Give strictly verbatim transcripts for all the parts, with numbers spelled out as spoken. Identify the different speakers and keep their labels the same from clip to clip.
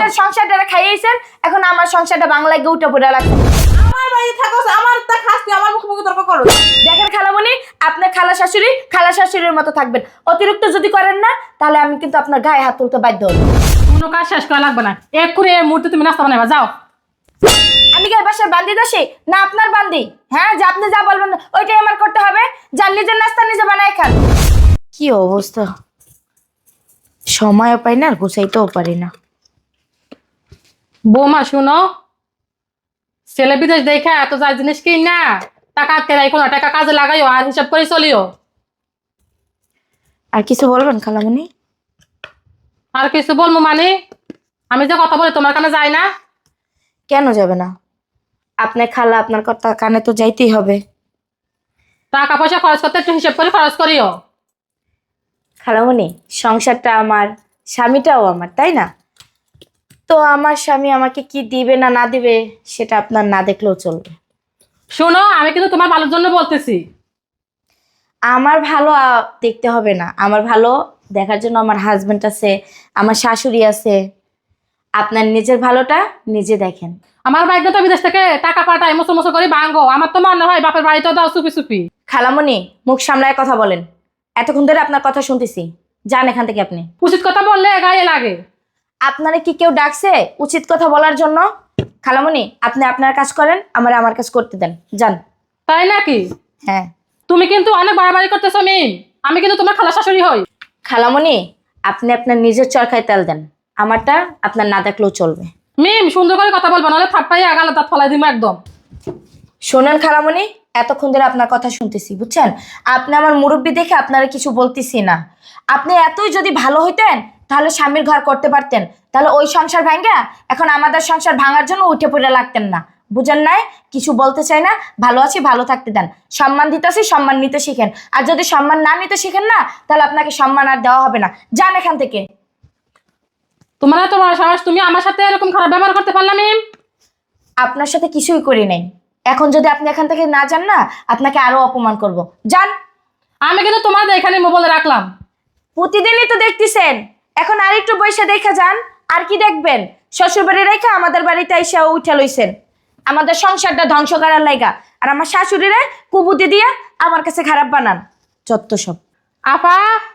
Speaker 1: আপনার সংসারটা খাইয়েছেন, এখন আমার সংসারটা বাংলায় গিয়ে উঠে পড়ে লাগছে।
Speaker 2: আমার বাড়ি থাকো, আমার তা খাস তুই আমার মুখে মুখে তর্ক করো।
Speaker 1: দেখেন খালামণি, আপনার খালা শাশুড়ি খালা শাশুড়ির মতো থাকবেন। অতিরিক্ত যদি করেন না, তাহলে আমি কিন্তু আপনার গায়ে হাত তুলতে বাধ্য হব।
Speaker 3: কোনো কাজ শেষ করা লাগবে না, এক করে এই মুহূর্তে তুমি নাস্তা বানাবা যাও।
Speaker 1: আমি কি বাসার বান্দি দোষী না আপনার বান্দি? হ্যাঁ, যে আপনি যা বলবেন ওইটাই আমার করতে হবে। যার নিজের নাস্তা নিজে বানায় খান। কি অবস্থা, সময়ও পাই না আর গুছাইতেও পারি না।
Speaker 3: বৌমা শুনো, ছেলে বিদেশ দেখা এত যা জিনিস কিন না, টাকা আটকে রাখো না, টাকা কাজে লাগাইও আর হিসাব করে চলিও।
Speaker 1: আর কিছু বলবেন খালামণি?
Speaker 3: আর কিছু বলবো মানে, আমি যে কথা বলি তোমার কানে যায় না?
Speaker 1: কেন যাবে না? আপনার খালা আপনার কথা কানে তো যাইতেই হবে।
Speaker 3: টাকা পয়সা খরচ করতে একটু হিসাব করে খরচ করিও।
Speaker 1: খালামণি, সংসারটা আমার, স্বামীটাও আমার, তাই না? তো আমার স্বামী আমাকে কি দিবে না না দিবে সেটা আপনার না দেখলেও চলবে।
Speaker 3: শোনো, আমি কিন্তু তোমার ভালোর জন্য বলতেছি।
Speaker 1: আমার ভালো আহ, দেখতে হবে না, আমার ভালো দেখার জন্য আমার হাজবেন্ড আছে, আমার শাশুড়ি আছে। আপনার নিজের ভালোটা নিজে দেখেন।
Speaker 3: আমার ভাগ্য তো বিদেশ থেকে টাকা পাঠায় মসো মসো করে ভাঙ্গো, আমার তো মনে হয় বাপের বাড়িতেও দাও চুপি চুপি।
Speaker 1: খালামণি, মুখ সামলায় কথা বলেন। এতক্ষণ ধরে আপনার কথা শুনতেছি, যান এখান থেকে আপনি।
Speaker 3: উচিত কথা বললে গায়ে লাগে।
Speaker 1: আপনারা কি কেউ ডাকছে উচিত কথা বলার জন্য? খালামণি, আপনি আপনার কাজ করেন, আমার আমার কাজ করতে দেন, যান।
Speaker 3: তাই নাকি?
Speaker 1: হ্যাঁ।
Speaker 3: তুমি কিন্তু অনেক বাড়াবাড়ি করতেছো মিম, আমি কিন্তু তোমার খালা শাশুড়ি হই।
Speaker 1: খালামণি, আপনি আপনার নিজের চরকায় তেল দেন, আমারটা আপনার না দেখলেও চলবে।
Speaker 3: মিম সুন্দর করে কথা বলবো, নাহলে থাপ্পাই আগালে দাঁত ফলাই দিব একদম।
Speaker 1: শোনেন খালামণি, এতক্ষণ ধরে আপনার কথা শুনতেছি, বুঝছেন? আপনি আমার মুরব্বি দেখে আপনারা কিছু বলতেছি না। আপনি এতই যদি ভালো হইতেন তাহলে স্বামীর ঘর করতে পারতেন, তাহলে ওই সংসার ভাঙ্গা এখন আমাদের সংসার ভাঙার জন্য উঠে পড়ে লাগতেন না। বুঝেন নাই? কিছু বলতে চাই না, ভালো আছি ভালো থাকতে দেন। সম্মান দিতেছি, সম্মান নিতে শিখেন। আর যদি সম্মান না নিতে শিখেন না, তাহলে আপনাকে সম্মান আর দেওয়া হবে না। যান এখান থেকে।
Speaker 3: তোমার এত বড় সাহস, তুমি আমার সাথে এরকম খারাপ ব্যবহার করতে পারলাম মিম?
Speaker 1: আপনার সাথে কিছুই করি নাই, এখন যদি আপনি এখান থেকে না যান না, আপনাকে আরো অপমান করব। যান।
Speaker 3: আমি কিন্তু তোমার এখানে মোবাইলে রাখলাম।
Speaker 1: প্রতিদিনই তো দেখতেছেন, এখন আর একটু বৈশা দেখা যান। আর কি দেখবেন? শ্বশুর বাড়ি রেখে আমাদের বাড়িতে এসে উঠে লইছেন আমাদের সংসারটা ধ্বংস করার লাইগা। আর আমার শাশুড়িরে কুবুদ্ধি দিয়ে আমার কাছে খারাপ বানান। যত সব।
Speaker 3: আপা,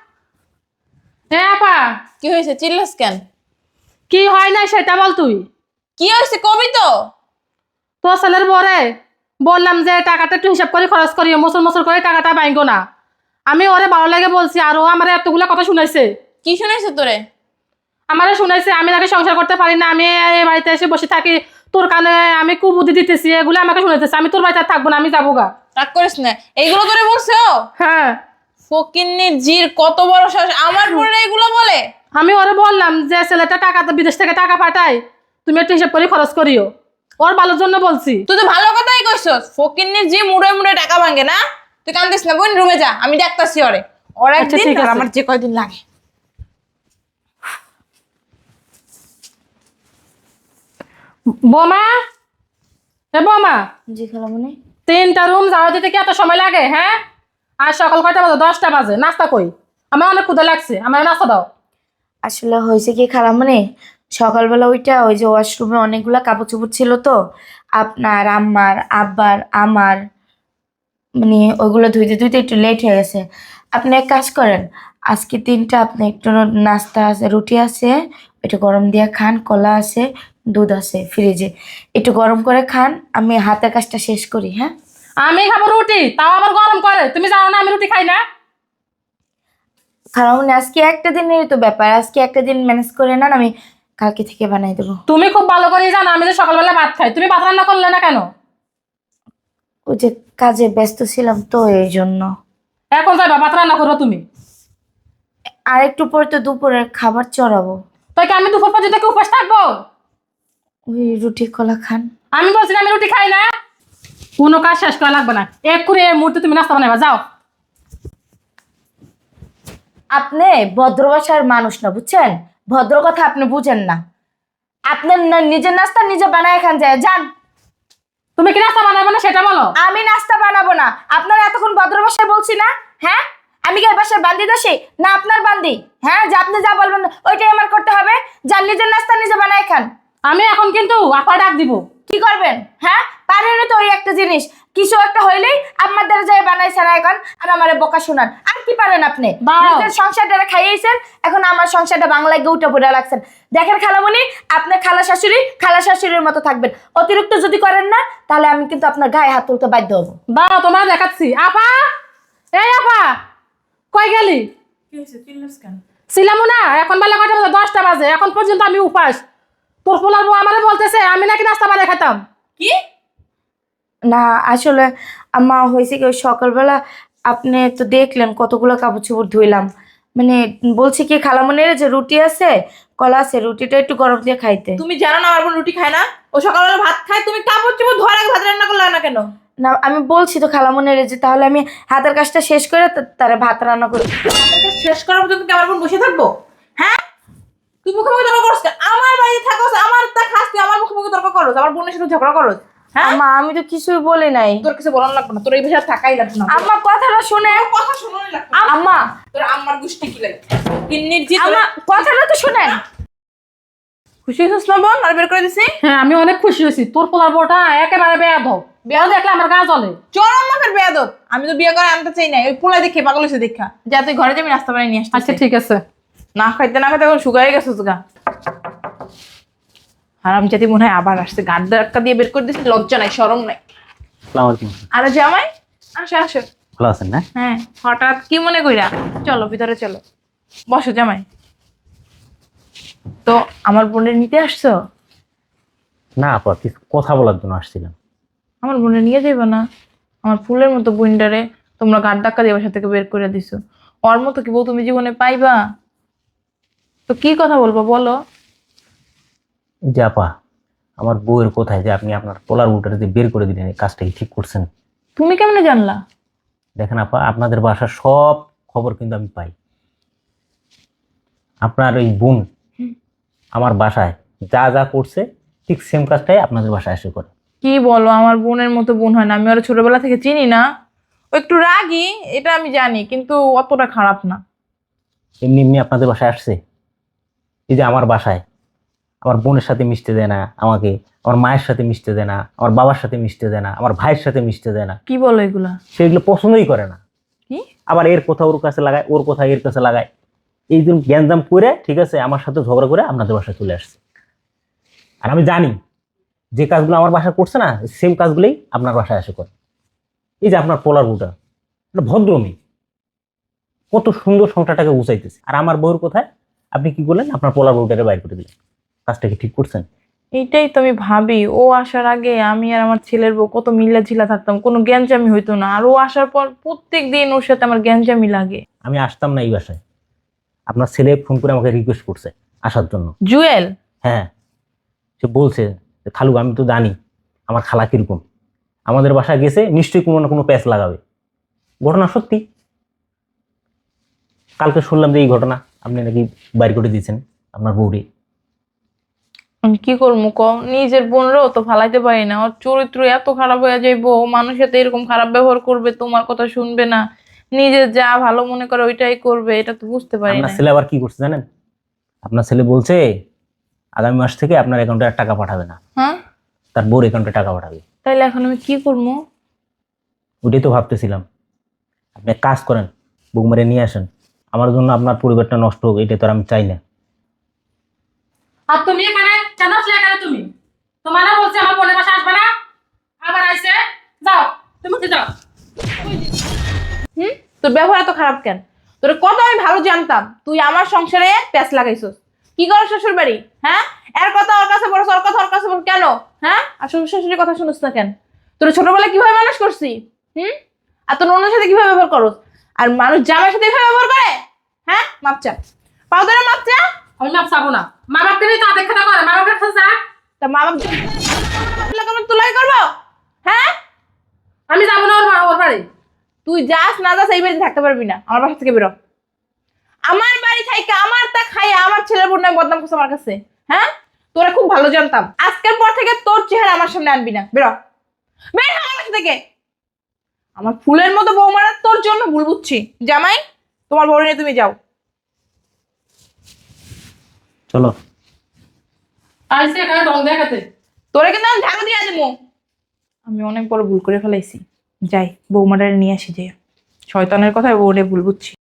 Speaker 3: হ্যাঁ আপা,
Speaker 2: কি হয়েছে, চিল্লাস কেন?
Speaker 3: কি হয় না সেটা বল তুই।
Speaker 2: কি হয়েছে কবি তো।
Speaker 3: তোর ছেলের বরে বললাম যে টাকাটা একটু হিসাব করে খরচ করিও, মসুর মসুর করে টাকাটা বাইঙ্গো না। আমি ওরে ভালো লাগে বলছি, আর ও আমার এতগুলো কথা শুনাইছে।
Speaker 2: কি শুনেছে তোরে?
Speaker 3: আমারে শুনাইছে আমি নাকি সংসার করতে পারি না, আমি এই বাড়িতে এসে বসে থাকি, তোর কানে আমি কুবুদ্ধি দিতেছি, এগুলো আমাকে শুনাইতেছে। আমি তোর বাড়িতে আর থাকবো না, আমি যাবো গা।
Speaker 2: রাগ করিস না, এইগুলো তোরে বলছে ও?
Speaker 3: হ্যাঁ,
Speaker 2: ফকিন্নির জির কত বড় সাহস, আমার বোনের এইগুলো বলে?
Speaker 3: আমি ওরে বললাম যে ছেলেটা টাকা বিদেশ থেকে টাকা পাঠায়, তুমি একটু হিসাব করে খরচ করিও, ওর ভালোর জন্য বলছি।
Speaker 2: তুই তো ভালো কথাই কইছস, ফকিন্নির জি মুড়ে মুড়ে টাকা ভাঙে না। তুই কান্দিস না বোন, রুমে যা, আমি ডাকতাছি ওরে। ওর
Speaker 3: আচ্ছা,
Speaker 2: একদিন
Speaker 3: ঠিক
Speaker 2: আর
Speaker 3: আছে।
Speaker 2: আমার যে কয়দিন লাগে।
Speaker 3: বোমা, এ বোমা,
Speaker 1: জি খালামণি।
Speaker 3: তিনটা রুম ঝাড়ু দিতে কি এত সময় লাগে? হ্যাঁ, আর সকাল কয়টা বাজে? দশটা বাজে। নাস্তা কই? আমার অনেক ক্ষুধা লাগছে, আমার নাস্তা দাও।
Speaker 1: আসলে হয়েছে কি খালামণি, সকালবেলা ওইটা ওই যে ওয়াশরুমে অনেকগুলা কাপড় চোপড় ছিল তো, আপনার আম্মার আব্বার আমার, মানে ওইগুলো ধুইতে ধুইতে একটু লেট হয়ে গেছে। আপনি এক কাজ করেন, আজকে দিনটা আপনি একটু নাস্তা আছে, রুটি আছে, একটু গরম দিয়ে খান, কলা আছে, দুধ আছে ফ্রিজে, একটু গরম করে খান, আমি হাতের কাজটা শেষ করি। হ্যাঁ,
Speaker 3: আমি খাবো রুটি, তাও আবার গরম করে। তুমি জানো না আমি রুটি খাই না?
Speaker 1: খারাপ আজকে একটা দিনেরই তো ব্যাপার, আজকে একটা দিন ম্যানেজ করে নেন, আমি কালকে থেকে বানাই দেবো।
Speaker 3: তুমি খুব ভালো করে জানো আমি যে সকালবেলা ভাত খাই, তুমি ভাত রান্না করলে না কেন?
Speaker 1: ওই যে কাজে ব্যস্ত ছিলাম তো এই জন্য।
Speaker 3: এখন যাইবা ভাত রান্না করো তুমি?
Speaker 1: আর একটু পরে তো দুপুরের খাবার চড়াবো।
Speaker 3: তাই কি আমি দুপুর পর্যন্ত কি উপাস থাকবো?
Speaker 1: ওই রুটি কলা খান।
Speaker 3: আমি বলছি না আমি রুটি খাই না। কোনো কাজ শেষ করা লাগবে না, এক করে এই মুহূর্তে তুমি নাস্তা বানাবা যাও।
Speaker 1: আপনি ভদ্র ভাষার মানুষ না, বুঝছেন? ভদ্র কথা আপনি বুঝেন না। আপনার না- নিজের নাস্তা নিজে বানায় খান, যায় যান।
Speaker 3: তুমি কি নাস্তা বানাবে না সেটা বলো।
Speaker 1: আমি নাস্তা বানাবো না, আপনার এতক্ষণ ভদ্র ভাষায় বলছি না? হ্যাঁ, আমি কি এই বাসার বান্দি দোষী না আপনার বান্দি? হ্যাঁ, যে আপনি যা বলবেন ওইটাই আমার করতে হবে। যার নিজের নাস্তা নিজে বানায় খান।
Speaker 3: আমি এখন কিন্তু আপা ডাক দিব।
Speaker 1: কি করবেন? হ্যাঁ, পারেন তো ওই একটা জিনিস, কিছু একটা হইলেই আপনার দ্বারা যায় বানাই সারাই খান আর আমারে বকা শোনান। আর কি পারেন আপনি?
Speaker 3: বাহ।
Speaker 1: নিজের সংসারটা খাইয়েছেন, এখন আমার সংসারটা বাংলায় গৌটা পড়ে রাখছেন। দেখেন খালামণি, আপনি খালা শাশুড়ি খালা শাশুড়ির মতো থাকবেন। অতিরিক্ত যদি করেন না তাহলে আমি কিন্তু আপনার গায়ে হাত তুলতে বাধ্য হবো।
Speaker 3: বা তোমার দেখাচ্ছি। আপা, এই আপা, কই গেলি?
Speaker 2: কি হয়েছে? চিল্লাস কেন?
Speaker 3: ছিলাম না, এখন বেলা কয়টা বাজে? দশটা বাজে, এখন পর্যন্ত আমি উপাস। তোর পোলার বউ আমারে বলতেছে আমি নাকি নাস্তা বানিয়ে খেতাম।
Speaker 2: কি?
Speaker 1: না আসলে আম্মা হয়েছে কি, ওই সকালবেলা আপনি তো দেখলেন কতগুলো কাপড় চোপড় ধুইলাম। মানে বলছি কি খালামণির যে রুটি আছে কলা আছে, রুটিটা একটু গরম দিয়ে খাইতে।
Speaker 2: তুমি জানো না আমার বোন রুটি খায় না? ও সকালবেলা ভাত খায়, তুমি কাপড় চোপড় ধোয়ার আগে ভাত রান্না করলে না কেন?
Speaker 1: না আমি বলছি তো খালামণির যে তাহলে আমি হাতের কাজটা শেষ করে তা- তারে ভাত রান্না করি।
Speaker 2: এটা শেষ করার পর্যন্ত কি আমার বোন বসে থাকবো? হ্যাঁ, তুই মুখে মুখে তর্ক করছ কেন? আমার বাড়িতে থাকো, আমার তা খাস, তুই আমার মুখে মুখে তর্ক করছ, আমার বোনের সাথে ঝগড়া করছ। হ্যাঁ,
Speaker 1: আম্মা আমি তো কিছুই বলি নাই।
Speaker 2: তোর কিছু বলার লাগবে না, তোর এই বিষয়ে থাকাই লাগবে না।
Speaker 1: আম্মা কথাটা শুনে।
Speaker 2: তোর কথা শুনোই লাগবে না।
Speaker 1: আম্মা
Speaker 2: তোর আম্মার গোষ্ঠী কি লাগে? কিন্নির জি
Speaker 1: আম্মা কথাটা তো শুনেন।
Speaker 2: খুশি হইছিস না বোন? আর বের করে দিছি।
Speaker 3: হ্যাঁ, আমি অনেক খুশি হয়েছি। তোর পোলার বউটা একেবারে বেয়াদব। বেয়াদব দেখলে আমার গা জ্বলে।
Speaker 2: চরম মাপের বেয়াদব। আমি তো বিয়ে করে আনতে চাই না, ওই পোলা দেখে পাগল হয়েছে দেখা। যা তুই ঘরে যাবি, নাস্তা বানিয়ে নিয়ে আসতে।
Speaker 3: আচ্ছা ঠিক আছে।
Speaker 2: না খাইতে না খাইতে এখন শুকাই গেছে গা। হারাম জাতি মনে হয় আবার আসছে, গাড় ধাক্কা দিয়ে বের করে দিচ্ছে, লজ্জা নাই শরম নাই।
Speaker 4: আসসালামু আলাইকুম।
Speaker 2: আরে জামাই, আসো আসো।
Speaker 4: ভালো আছেন না?
Speaker 2: হ্যাঁ, হঠাৎ কি মনে কইরা? চলো ভিতরে চলো, বসো জামাই। তো আমার বোনের নিতে আসছো?
Speaker 4: না আপা, কিছু কথা বলার জন্য আসছিলাম।
Speaker 2: আমার বোনে নিয়ে যাইবা না? আমার ফুলের মতো বোনটারে তোমরা গাড় ধাক্কা দিয়ে বাসা থেকে বের করে দিছো। ওর মতো কি বউ তুমি জীবনে পাইবা? তো কি কথা বলবো বলো?
Speaker 4: এই যে আপা, আমার বউয়ের কোথায় যে আপনি আপনার পোলার উটারে যে বের করে দিলেন, এই কাজটা কি ঠিক করছেন?
Speaker 2: তুমি কেমনে জানলা?
Speaker 4: দেখেন আপা, আপনাদের বাসার সব খবর কিন্তু আমি পাই। আপনার ওই বোন আমার বাসায় যা যা করছে ঠিক সেম কাজটাই আপনাদের বাসায় এসে করে।
Speaker 2: কি বলো, আমার বোনের মতো বোন হয় না। আমি ওরা ছোটবেলা থেকে চিনি না। ও একটু রাগী, এটা আমি জানি, কিন্তু অতটা খারাপ না।
Speaker 4: এমনি এমনি আপনাদের বাসায় আসছে। এই যে আমার বাসায় আমার বোনের সাথে মিশতে দেয় না আমাকে, আমার মায়ের সাথে মিশতে দেয় না, আমার বাবার সাথে মিশতে দেয় না, আমার ভাইয়ের সাথে মিশতে দেয় না।
Speaker 2: কি বলো এগুলা?
Speaker 4: সেগুলো পছন্দই করে না।
Speaker 2: কি?
Speaker 4: আবার এর কথা ওর কাছে লাগায়, ওর কথা এর কাছে লাগায়। এই দিন গ্যাঞ্জাম করে ঠিক আছে আমার সাথে ঝগড়া করে আপনাদের বাসায় চলে আসছে। আর আমি জানি যে কাজগুলো আমার বাসায় করছে না, সেম কাজগুলোই আপনার বাসায় এসে করে। এই যে আপনার পোলার বউটা একটা ভদ্র মেয়ে, কত সুন্দর সংসারটাকে গুছাইতেছে। আর আমার বউর কোথায় আপনি কি করলেন? আপনার পোলার বউটাকে বাইর করে দিলেন। কাজটা কি ঠিক করছেন?
Speaker 2: এইটাই তো আমি ভাবি, ও আসার আগে আমি আর আমার ছেলের বউ কত মিল্লা ঝিলা থাকতাম, কোনো গ্যাঞ্জামি হইতো না। আর ও আসার পর প্রত্যেক দিন ওর সাথে আমার গ্যাঞ্জামি লাগে।
Speaker 4: আমি আসতাম না এই বাসায়। আপনার ছেলে ফোন করে আমাকে রিকোয়েস্ট করছে আসার জন্য।
Speaker 2: জুয়েল?
Speaker 4: হ্যাঁ, সে বলছে যে, খালু আমি তো জানি আমার খালা কিরকম, আমাদের বাসায় গেছে নিশ্চয়ই কোনো না কোনো প্যাচ লাগাবে। ঘটনা সত্যি। কালকে শুনলাম যে এই ঘটনা আপনি নাকি বাইর করে দিয়েছেন আপনার বউরে।
Speaker 2: আমি কি করবো ক? নিজের বোনরাও তো ফালাইতে পারি না। ওর চরিত্র এত খারাপ হয়ে যাইবো, ও মানুষের সাথে এরকম খারাপ ব্যবহার করবে, তোমার কথা শুনবে না, নিজের যা ভালো মনে করে ওইটাই করবে, এটা তো বুঝতে পারি
Speaker 4: আপনার
Speaker 2: না।
Speaker 4: ছেলে আবার কি করছে জানেন? আপনার ছেলে বলছে আগামী মাস থেকে আপনার অ্যাকাউন্টে আর টাকা পাঠাবে না,
Speaker 2: হ্যাঁ,
Speaker 4: তার বউর অ্যাকাউন্টে টাকা পাঠাবে।
Speaker 2: তাইলে এখন আমি কি করবো?
Speaker 4: ওইটাই তো ভাবতেছিলাম। আপনি এক কাজ করেন, বৌমারে নিয়ে আসেন, আমার জন্য আপনার পরিবারটা নষ্ট হোক এটা তো আর আমি চাই না।
Speaker 3: আর তুমি এখানে কেন আসলে? এখানে তুমি তোমার না বলছে আমার বোনের বাসা আসবে না, আবার আইছে। যাও, তুমি উঠে যাও।
Speaker 2: হুম, তোর ব্যবহার এত খারাপ কেন? তোর কত আমি ভালো জানতাম, তুই আমার সংসারে প্যাঁচ লাগাইছিস। কি করো শ্বশুর বাড়ি? হ্যাঁ, এর কথা ওর কাছে বড়, ওর কথা ওর কাছে বড় কেন? হ্যাঁ, আর শ্বশুর শাশুড়ির কথা শুনিস না কেন? তোর ছোটবেলায় কিভাবে মানুষ করছি? হুম, আর তোর অন্যের সাথে কিভাবে ব্যবহার করস? আর মানুষ জামাইয়ের সাথে কিভাবে ব্যবহার করে? হ্যাঁ, মাপচা পাও ধরে মাপচা।
Speaker 3: আমি মাপ চাবো না। মা বাপকে নিয়ে তা দেখা করে, মা বাপের কাছে যা।
Speaker 2: তা মা বাপ তুলাই করবো? হ্যাঁ,
Speaker 3: আমি যাবো না ওর বা- ওর বাড়ি।
Speaker 2: তুই যাস না যাস এই বাড়িতে থাকতে পারবি না। আমার বাসা থেকে বেরো। আমার বাড়ি থাইকে আমার তা খাইয়া আমার ছেলের বোন নামে বদনাম করছে আমার কাছে। হ্যাঁ, তোরা খুব ভালো জানতাম। আজকের পর থেকে তোর চেহারা আমার সামনে আনবি না। বেরো, বের হ আমার বাসা থেকে। আমার ফুলের মতো বৌমারা তোর জন্য ভুল বুঝছি। জামাই, তোমার বউ নিয়ে তুমি যাও।
Speaker 4: চলো।
Speaker 3: আইসি এখানে রং দেখাতে।
Speaker 2: তোরে কিন্তু আমি ঝাড়ু দিয়ে দেবো। আমি অনেক বড় ভুল করে ফেলাইছি। যাই, বৌমাটারে নিয়ে আসি যে। শয়তানের কথায় বউরে ভুল বুঝছি।